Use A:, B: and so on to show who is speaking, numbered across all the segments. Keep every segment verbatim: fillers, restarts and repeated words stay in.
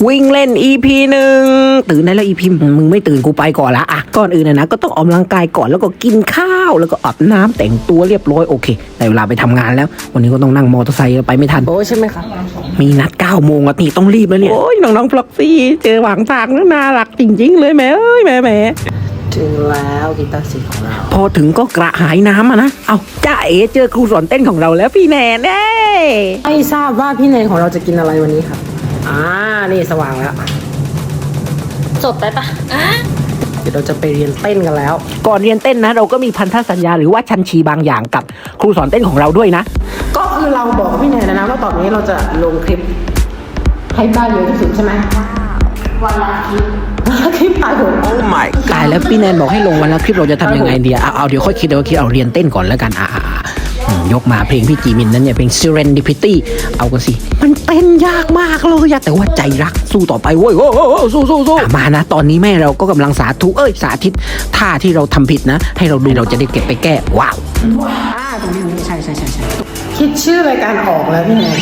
A: วิ่งเล่น อี พี หนึ่งตื่นได้แล้ว อี พี มึงไม่ตื่นกูไปก่อนละอ่ะก่อนอื่นนะนะก็ต้องออกกำลังกายก่อนแล้วก็กินข้าวแล้วก็อาบน้ำแต่งตัวเรียบร้อยโอเคได้เวลาไปทำงานแล้ววันนี้ก็ต้องนั่งมอเตอร์ไซค์ไปไม่ทันโอ้ใช่ไหมครับมีนัดเก้าโมงอ่ะนี่ต้องรีบแล้วเนี่ยโอ้ยน้องๆฟล็อกซี่เจอหวังทางแล้วน่ารักจริงๆเลยแม่เอ้ยแม่แม่ถึงแล้วกีตาร์สีของเราพอถึงก็กระหายน้ำอ่ะนะเอาจ้าเอ๋เจอครูสอนเต้นของเราแล้วพี่แนนเอ้ไม่ทราบว่าพี่แนนของเราจะกินอะไรวันนี้ครับอ่านี่สว่างแล้วจบไปปะเดี๋ยวเราจะไปเรียนเต้นกันแล้วก่อนเรียนเต้นนะเราก็มีพันธสัญญาหรือว่าชันชีบางอย่างกับครูสอนเต้นของเราด้วยนะก็คือเราบอกพี่แนนนะว่าตอนนี้เราจะลงคลิปให้ได้เยอะที่สุดใช่ไหมวันละคลิปวันละคลิปตายผมโอ้ my ตายแล้วพี่แนนบอกให้ลงวันละคลิปเราจะทำยังไงดีเอาเอาเดี๋ยวค่อยคิดเดี๋ยวคิดเอาเรียนเต้นก่อนแล้วกันอ่ายกมาเพลงพี่จีมินนั้นเนี่ยเพลง Serendipity เอากันสิมันเต้นยากมากเลยแต่ว่าใจรักสู้ต่อไปเว้ยโอ้โหสู้สู้สู้มานะตอนนี้แม่เราก็กำลังสาธุเอ้ยสาธิตท่าที่เราทำผิดนะให้เราดูเราจะได้เก็บไปแก้ว้าวอ่าตรงนี้ใช่ใช่ใช่ใช่คิดชื่อรายการออกแล้วพี่แนน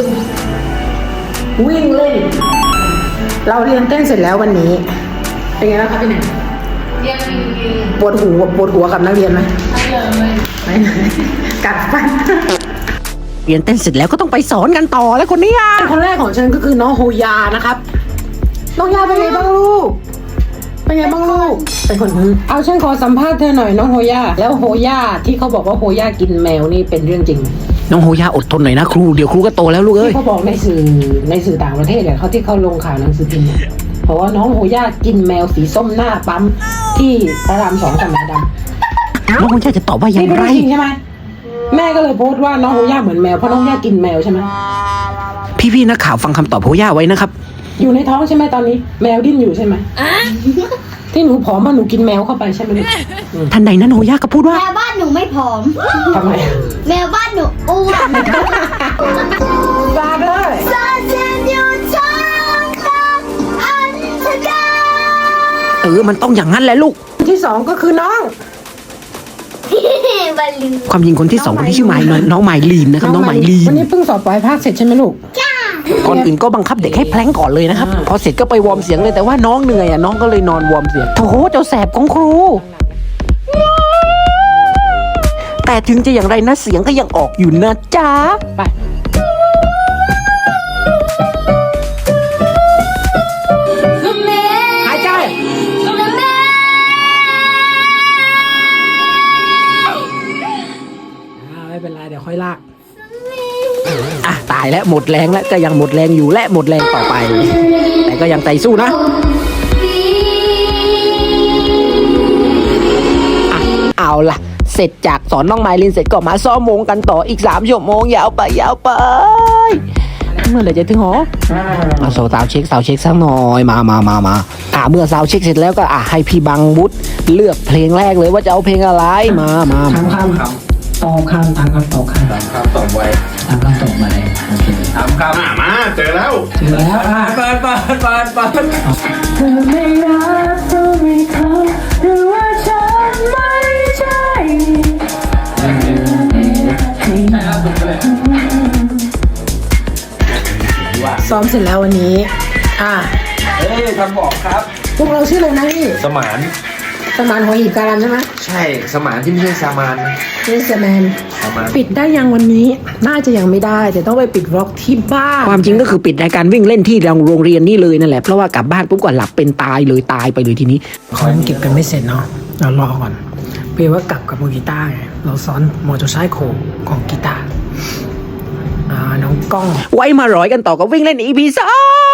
A: วิ่งเล่นเราเรียนเต้นเสร็จแล้ววันนี้เป็นไงบ้างครับพี่แนนเรียนปวดหัวปวดหัวกับนักเรียนไหมไม่เลยกัดฟันเรียนเต้นเสร็จแล้วก็ต้องไปสอนกันต่อแล้วคนนี้อ่ะคนแรกของฉันก็คือน้องโฮยานะครับน้องยาเป็นไงบ้างลูกเป็นไงบ้างลูกเป็นคนเอาฉันขอสัมภาษณ์เธอหน่อยน้องโฮยาแล้วโฮยาที่เขาบอกว่าโฮยากินแมวนี่เป็นเรื่องจริงน้องโฮยาอดทนหน่อยนะครูเดี๋ยวครูก็โตแล้วลูกเอ้ยที่เขาบอกในสื่อในสื่อต่างประเทศเนี่ยเขาที่เขาลงข่าวหนังสือพิมพ์เพราะว่าน้องโฮย่ากินแมวสีส้มหน้าปั๊มที่พระรามสองกับแมวดำน้องโฮย่าจะตอบว่าอย่างไรใช่ไหมแม่ก็เลยโพสต์ว่าน้องโฮย่าเหมือนแมวเพราะน้องโฮย่ากินแมวใช่ไหมพี่ๆนักข่าวฟังคำตอบโฮย่าไว้นะครับอยู่ในท้องใช่ไหมตอนนี้แมวดิ้นอยู่ใช่ไหมที่หนูผอมมาหนูกินแมวเข้าไปใช่ไหมทันใดนั้นโฮย่าก็พูดว่า
B: แมวบ้านหนูไม่ผอม
A: ทำไม
B: แมวบ้านหนูอ้วน
A: บาเลยเออมันต้องอย่างนั้นแหละลูกที่สองก็คือน้องความจริงคนที่สองคนที่ชื่อไมล์น้องไมลีนนะครับน้องไมลีนวันนี้เพิ่งสอบปลายภาคเสร็จใช่ไหมลูกก่อนอื่นก็บังคับเด็กให้แพลงก่อนเลยนะครับพอเสร็จก็ไปวอร์มเสียงเลยแต่ว่าน้องเหนื่อยอ่ะน้องก็เลยนอนวอร์มเสียงโถเจ้าแสบของครูแต่ถึงจะอย่างไรนะเสียงก็ยังออกอยู่นะจ๊ะไปไม่เป็นไรเดี๋ยวค่อยลากอ่ะตายแล้วหมดแรงแล้วก็ยังหมดแรงอยู่และหมดแรงต่อไปแต่ก็ยังใจสู้นะอ่ะเอาล่ะเสร็จจากสอนน้องไมลินเสร็จก็มาซ้อมวงกันต่ออีกสามชั่วโมงยาวไปยาวไปเมื่อไหร่จะถึงหอเอาสาวเช็คสาวเช็คสักหน่อยมามามามาอ่ะเมื่อสาวเช็คเสร็จแล้วก็อ่ะให้พี่บังบุตรเลือกเพลงแรกเลยว่าจะเอาเพลงอะไรมามาถามคำครับตอบคำถามคำตอบคำถามคำตอบไวถามคำตอบมาเลยโอเคถามคำมาเจอแล้วเจอแล้วอ่ะเปิดเปิดเปิดเปิดเธอไม่รักเธอไม่เขาหรือว่าฉันไม่ใช่ซ้อมเสร็จแล้ววันนี้อ่ะ
C: เฮ้ยคำบอกครับ
A: พวกเราชื่ออะไรนะพี่
C: สมาน
A: สมานหัวหินการันใช่ไหม
C: ใช่สมานที่ไม่ใช่สามาน
A: นี่สมานปิดได้ยังวันนี้น่าจะยังไม่ได้แต่ต้องไปปิดร็อกที่บ้านความจริงก็คือปิดรายการวิ่งเล่นที่โรงเรียนนี่เลยนั่นแหละเพราะว่ากลับบ้านปุ๊บก็หลับเป็นตายเลยตายไปเลยทีนี้คอนเก็บกันไม่เสร็จเนาะเรารอก่อนเพื่อว่ากลับกับมือกีตาร์ไงเราซ้อนมอเตอร์ไซค์โคของกีตาร์อ่าน้องก้องไว้มาร้อยกันต่อกับวิ่งเล่น อี พี สอง